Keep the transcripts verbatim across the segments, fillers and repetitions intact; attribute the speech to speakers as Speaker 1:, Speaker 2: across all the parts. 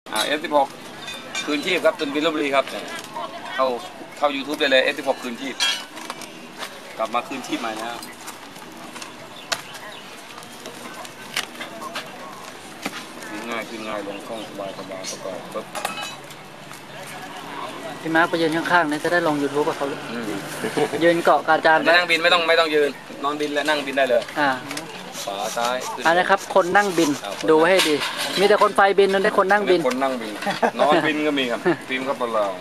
Speaker 1: อ่าเอฟสิบหกคืนชีพครับตุนบินลพบุรีครับเข้าเข้า ยูทูบ ได้เลยเอฟสิบหกคืนชีพกลับมาคืนชีพใหม่นะง่ายขึ้นง่ายลงคล่องสบายสบายประกอบปุ๊บ
Speaker 2: พี่มาร์คไปยืนข้างๆนี่จะได้ลง ยูทูบ กับเขายืนเกาะกาจาน
Speaker 1: ไม่นั่งบินไม่ต้องไม่ต้องยืนนอนบินและนั่งบินได้เลย
Speaker 2: อ่า
Speaker 1: ขวาซ้าย
Speaker 2: อันนี้ครับคนนั่งบินดูให้ดีมีแต่คนไฟบินนั่นได้คนนั่งบิน
Speaker 1: คนนั่งบินนอนบินก็มีครับฟิล์มก็ปลา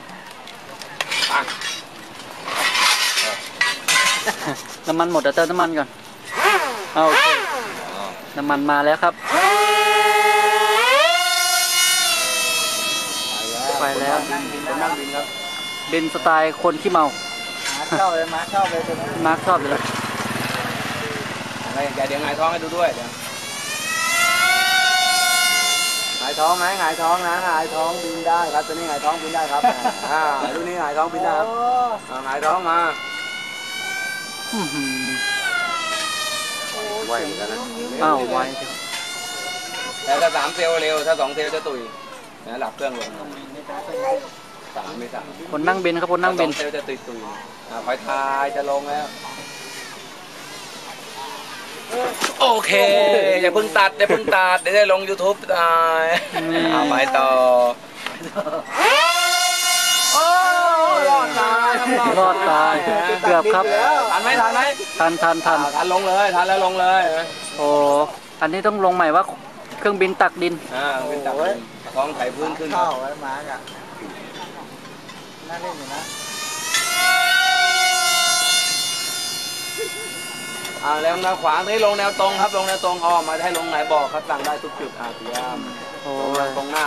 Speaker 2: น้ำมันหมดเดี๋ยวเติมน้ำมันก่อนเอาโอเคน้ำมันมาแล้วครับไปแล้ว
Speaker 1: นั่งบินครับ
Speaker 2: บินสไตล์คนขี้เมา
Speaker 3: มาร์คชอบเลยมาร์คชอบเลย
Speaker 2: มาร์คชอบเลย
Speaker 1: อะไรอย่าเดี๋ยวหงายท้องให้ดูด้วยเดี๋ยว
Speaker 3: หงายท้องไหมหงายท้องนะหงายท้องบินได้ครับตัวนี้หงายท้องบินได้ครับอ่าดูนี่หงายท้องบินได้ครับหงายท้องมาไหวเหมือนกันนะ
Speaker 2: อ้าวไหว
Speaker 1: แต่ถ้าสามเซลล์เร็วถ้าสองเซลล์จะตุยนะหลับเครื่องลงสามไม่สาม
Speaker 2: คนนั่งบินครับคนนั่งบิน
Speaker 1: เซลล์จะตุยตุยคอยทายจะลงแล้วโอเคอย่าเพิ่งตัดอย่าเพิ่งตัดเดี๋ยวได้ลง ยูทูบ ตายเอาไปต่อรอดตาย
Speaker 2: รอดตายเกือบครับ
Speaker 1: ทันไหมทันไหม
Speaker 2: ทันทันทัน
Speaker 1: ทันลงเลยทันแล้วลงเลย
Speaker 2: โอ้อันนี้ต้องลงใหม่ว่าเครื่องบินตักดิน
Speaker 1: อ่าบินตักดินท้องไถพื้นขึ้น
Speaker 3: เข้าไว้มาร์กอ่ะน่าเล่นอยู่นะ
Speaker 1: อ่าแล้วแนวขวางที่ลงแนวตรงครับลงแนวตรงออกมาให้ลงไหนบอกครับสั่งได้ทุกจุดอ่าเตรียม
Speaker 2: โอ้
Speaker 1: ตรงหน้า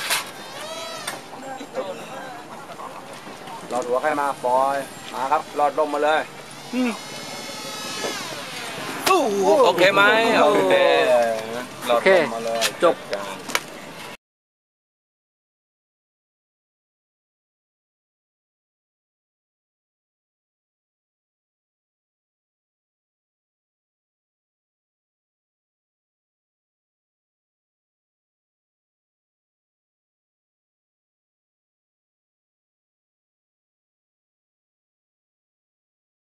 Speaker 1: หลอดหัวใครมาปล่อยมาครับหลอดลมมาเลยโอเคไหมโอเคหลอดลมมาเลย
Speaker 2: จบ